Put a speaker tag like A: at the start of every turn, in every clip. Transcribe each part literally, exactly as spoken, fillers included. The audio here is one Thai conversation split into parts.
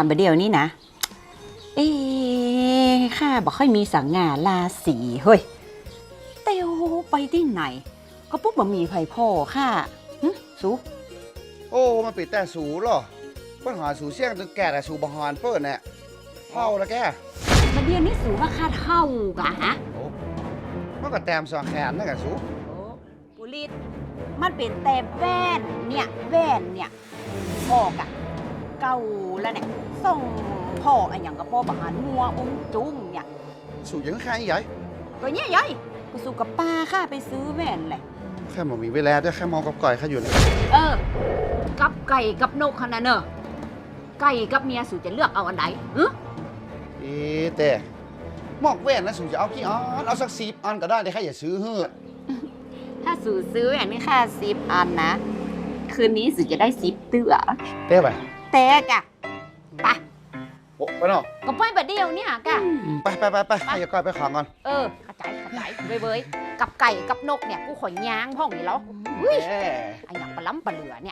A: ประเดี๋ยวนี้นะเอ๊ะข้าบอกค่อยมีสังงาราศีเฮ้ยเตียวไปที่ไหน ก็ปุ๊บบ่มีไผ่พ่อข้าหึสู
B: โอ้มันปิดแต่สูหรอปัญหาสูเสี่ยงจนแก่แต่สูบหอนเปิดเนี่ยเท่าละแก
A: ประเดี๋ยวนี้สูว่าข้าเท่ากะฮะ
B: โอ้มันก็แต้มสองแขนนั่นแหละสู
A: โอ้ปุริตมันเป็นแต่แว่นเนี่ยแว่นเนี่ยพ่อกะเก่าแล้วเนี่ยส่งพ่ออะอย่างกับพ่อบหันมัวอุ้งจุ้งเนี่ย
B: สูยังแค่ใหญ่
A: ก็เนี่ยยัยกูสู้กับป้าข้าไปซื้อแว่นแหละ
B: แค่มันมีเวลาด้วยแค่มองกับก่อยแค่อยู่เลย
A: เออ กับไก่กับนกขนาดเนอะไก่กับเมียสูจะเลือกเอาอันไหนหึ
B: เอ๊ะแต่มอกแว่นนะสูจะเอากี่อันเอาสักสิบอันก็ได้แต่แค่อย่าซื้อเฮ้อ
A: ถ้าสูซื้อแว่นนี่ค่าสิบอันนะ คืนนี้สูจะได้สิบเตือ
B: เต้ไป
A: แต่กะไป
B: โอ้ไปเนาะ
A: ก็ไปบัดเดียวเนี่ยกะ
B: ไปไปไปไปให้อย่าก่อยไปขังก่อน
A: เออกระจายกระจายเว้ยเว้ยกับไก่กับนกเนี่ยกูขอยย้างห้องนี่แล้วเฮ้ย
B: แหม
A: ไอ้อย่างปลาล้ำปลาเหลือเนี่ย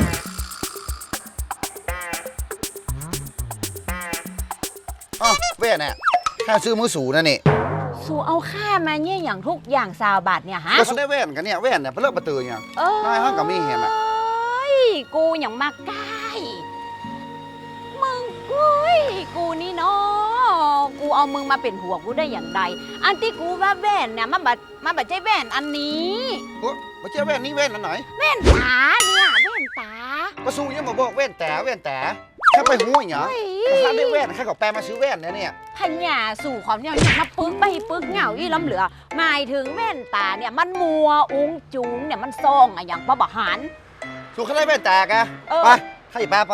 B: อ๋อแว่นเนี่ยแค่ซื้อมือสูนั่นนี่
A: สูเอาค่ามาเนี่ยอย่างทุกอย่างซาวบาทเนี่ยฮะ
B: ก็สูได้แว่นกันเนี่ยแว่นเนี่ยเพื่อเลิกประตือเนี่ย
A: เออ
B: ได้ห้องกับมีเห็นอะ
A: ยกูอย่างมากใกล้มึงกุ้ยกูนี่เนาะกูเอามึงมาเป็นหัวกูได้อย่างใดอันที่กูว่าแว่นเนี่ยมันบัดมันบัดใจแว่นอันนี้
B: โอ้มาเจ้าแว่นนี่แว่นอันไหน
A: แว่นตาเนี่ยแว่นตา
B: ก็สู้ยังมาบอกแว่นแต่แว่นแต่แค่ไปหูอย่างเงี้ย
A: เฮ้ย
B: ถ้าได้แว่นแค่กับแปลมาซื้อแว่นเนี่ยเนี่ย
A: พญาสู่ความเนี่ยมาปึกไปปึกเหงาอีล้ำเหลือหมายถึงแว่นตาเนี่ยมันมัวอุ้งจุงเนี่ยมันซ่องอะอย่างปะบะหัน
B: สู้แค่ได้แว่นแต่กะ
A: เออ
B: ไปให้แปลไป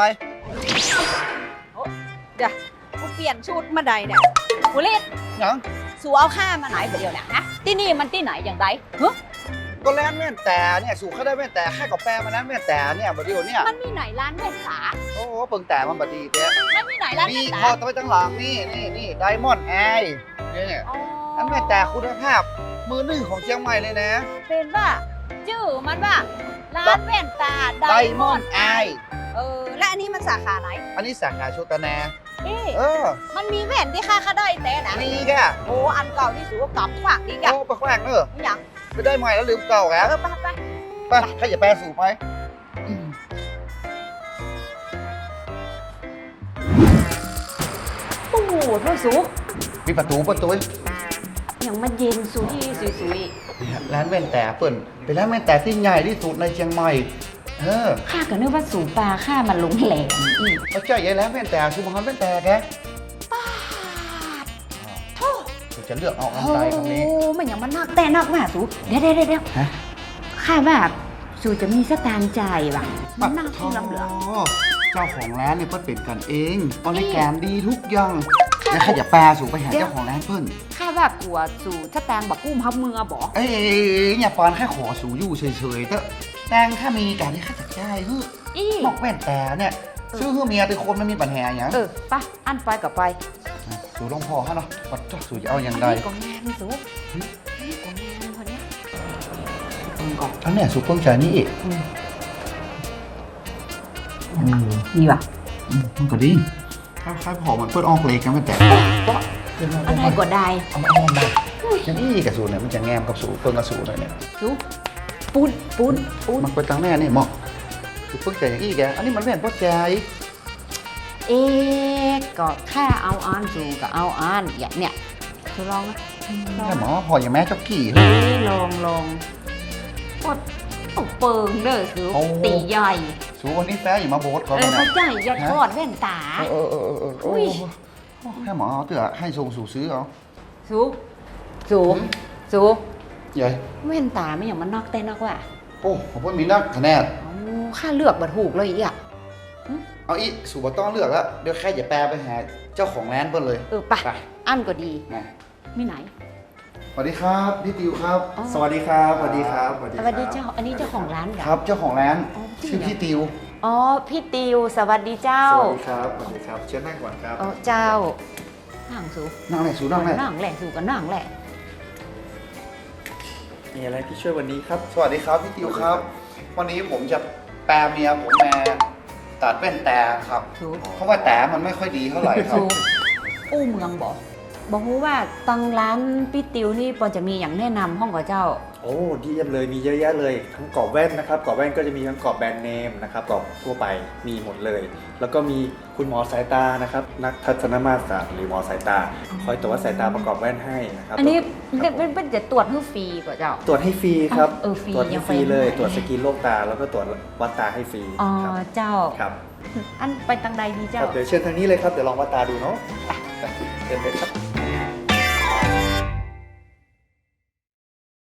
A: เดี๋ยวกูเปลี่ยนชุดมาใดเนี่ยกูเล่น
B: ยัง
A: สู่เอาค่ามาไหนเดี๋ยวเนี่ยนะที่นี่มันที่ไหนอย่างไรฮะ
B: ก็แล่นแว่นแต่เนี่ยสู้แค่ได้แว่นแต่แค่กับแปลมานั้นแว่นแต่เนี่ยบัดเดียวเนี่ย
A: มันมีไหนร้านแว่นตา
B: โอ้โหเปิงแต่มันบัดดีเต้
A: มันมีไหนร้าน
B: นี่
A: แว่นตา
B: พอตไปตั้งหลังนี่นี่นี่ไดมอนด์แอร์เนี่ย
A: อ๋อ
B: นั่นแว่นแต่คุณภาพมือหนึ่งของเชียงใหม่เลยนะ
A: เป็นว่าชื่อมันว่าร้านแว่นตาได
B: ได
A: ม
B: ม
A: อ
B: อน น
A: ด์
B: ด์
A: ไอ
B: ไอ
A: เออและอันนี้มันสาขาไหน
B: อันนี้สาขาโชตนา
A: เอ๊ะ
B: เออ
A: มันมีแว่นที่ค่าค่าได้แต่นะ
B: นี่กะ
A: โอ้อันเก่าที่สูว่ากลับขวางดีกะ
B: โอ้ไปแขวงเนอะ
A: ไม่อย่าง
B: ไปได้ใหม่แล้วลืมเก่าแก
A: เออไปไป
B: ไปใครอย่าแปลสู่ไปอืม
A: ตู้เท่าสู
B: มีประตูประตู
A: อย่างมันเย็นสุยสุยสุย
B: เนี่ยร้านแว่นแต่เปิ่นเป็นร้านแว่นแต่ที่ใหญ่ที่สุดในเชียงใหม่เออ
A: ข้าก็นึกว่าสูปลาข้ามันหลงแหลมอีก
B: เขาเจ้าใหญ่ร้านแว่นแต่ชูมังแว่นแต่แก
A: ป้าดโธ่
B: ผมจะเลือกเอาอัน
A: โอ้
B: ใดตรงนี้
A: มันอย่างมันนักแต่นักมากสูเดี๋ยวเดี๋ยวเดี๋ยว
B: ฮะ
A: ข้าว่าสูจะมีสตางค์จ่ายว่ะมันน่าที่ลำเหลือ
B: เจ้าของร้านเนี่ยเปิ้ลเป็นกันเองบริการดีทุกอย่างแล้วใครอย่าแปลสู่ไปหาเจ้าของร้านเปิ้ล
A: ข้าว่ากลัวสูสตางค์บักกุ้มพับมือบอก
B: เอ้ยอย่าปอนแค่ขอสู่อยู่เฉยๆเถอะแต่งถ้ามีการที่ข้าจัดได้เฮ้ย
A: อี
B: บอกแว่นแต่เนี่ยซื้อเพื่อเมียเป็นคนไม่มีปัญหาอย่าง
A: เออไปะอันไปกับไป
B: สู่ลงพอฮะเนาะปัดเจ้าสู่จะเอาอย่างไร
A: นนี้ก็งานสูนี่ก็งานคนเนี้ยเพิ่งก่อน
B: อันเนี้ยสู่เพิ่งใจนี่อีก
A: อืม
B: อืม
A: นี่ว่ะ
B: อืมมันก็ดีถ้าใครพอมันเปิดออกเลยกันมันแต่
A: อะไรก็ได้
B: เอามาเอามาอย่างนี้กับสูเนี่ยมันจะแงมกับสูเพิ่งกับสูเลยเนี่ย
A: สูปูนปูนปูน
B: มันไปตั้งแน่นี่เหมาะสูเพิ่งใจอย่างนี้แกอันนี้มันแว่นพ่อใจ
A: เอ๊ะก็แค่เอาอ่านสูก็เอาอ่านอย่างเนี้ยสูลองนะลอง
B: แม่หมอพออย่างแม่เจ้ากี่
A: เฮ้ยลองลองกดเอาเปิงเด้อสู
B: โอ้
A: ตีใหญ่
B: สูวันนี้แฟอย่ามาโบสเขา
A: เอ
B: เล
A: อย เข้า
B: นะ
A: ใจอย่าทอดแว่นตา
B: เออเออเออเออ
A: อุ้
B: โอ้
A: ย
B: ให้หมอเอาเตือให้สูงสูซื้อเอา
A: สูสู
B: หืม
A: สู
B: ใหญ่
A: แว่นตาไม่อย่างมันนอกแต่นอกว่ะ
B: โอ้ผมว่ามีนักคะแนน
A: เอาค่าเลือกบัตรถูกเลยอีกอ่ะ
B: เอาอีสูบต้องเลือกแล้วเดี๋ยวแค่อย่าแปลไปหาเจ้าของร้านเพิ่นเลย
A: เออไป
B: ไป
A: อันก็ดี
B: นะ
A: มีไหน
B: สวัสดีครับพี่ติวครับ
A: อ๋อ
C: สวัสดีครับ สวัสดีครับ สวัสดี
A: สวัสดีเจ้า อันนี้เจ้าของร้านเหรอ
B: ครับเจ้าของร้าน
A: อ๋อจริง
B: ชื่อ
A: เหรอ
B: พี่ติว
A: อ๋อ พี่ติว สวัสดีเจ้า
C: สวัสดีครับ สวัสดีครับ เชิญนั่งก่อนครับ
A: อ๋อเจ้านั่งสู
B: นั่งไหนสูนั่งไหน
A: นั่งแหละสูกันนั่งแหละ
C: มีอะไรที่ช่วยวันนี้ครับ
B: สวัสดีครับพี่ติวครับ วันนี้ผมจะแปลเมียผมมาตัดแว่นแต่ครับ
A: ถูก
B: เพราะว่าแต่มันไม่ค่อยดีเท่าไหร่ครั
A: ถู
B: บ
A: กอู้เมืองบอกบอกรู้ว่าตังร้านพี่ติวนี่ปอนจะมีอย่างแนะนำห้องกับเจ้า
C: โอ้ดีเยี่ยมเลยมีเยอะแยะเลยทั้งกรอบแว่นนะครับกรอบแว่นก็จะมีทั้งกรอบแบรนด์เนมนะครับกรอบทั่วไปมีหมดเลย แล้วก็มีคุณหมอสายตานะครับนักทัศนมาตรศาสตร์หรือหมอสายตา คอยตรวจวัดสายตาประกอบแว่นให้นะครับ
A: อันนี้
C: ครับ
A: เป็นเป็นจะตรวจให้ฟรีกว่าเจ้า
C: ตรวจให้ฟรีครับ
A: เออฟรี
C: ตรวจให้
A: ยัง
C: ฟรีเลย
A: ไปไม่
C: ตรวจสกรีนโรคตาแล้วก็ตรวจวัดตาให้ฟรี
A: อ๋อ
C: ครับ
A: เจ้า
C: ครับ
A: อันไปตังใดดี
C: ค
A: เจ้า
C: รับเดี๋ยวเชิญทางนี้เลยครับเดี๋ยวลองวัดตาดูเนาะไปเดินไปครับ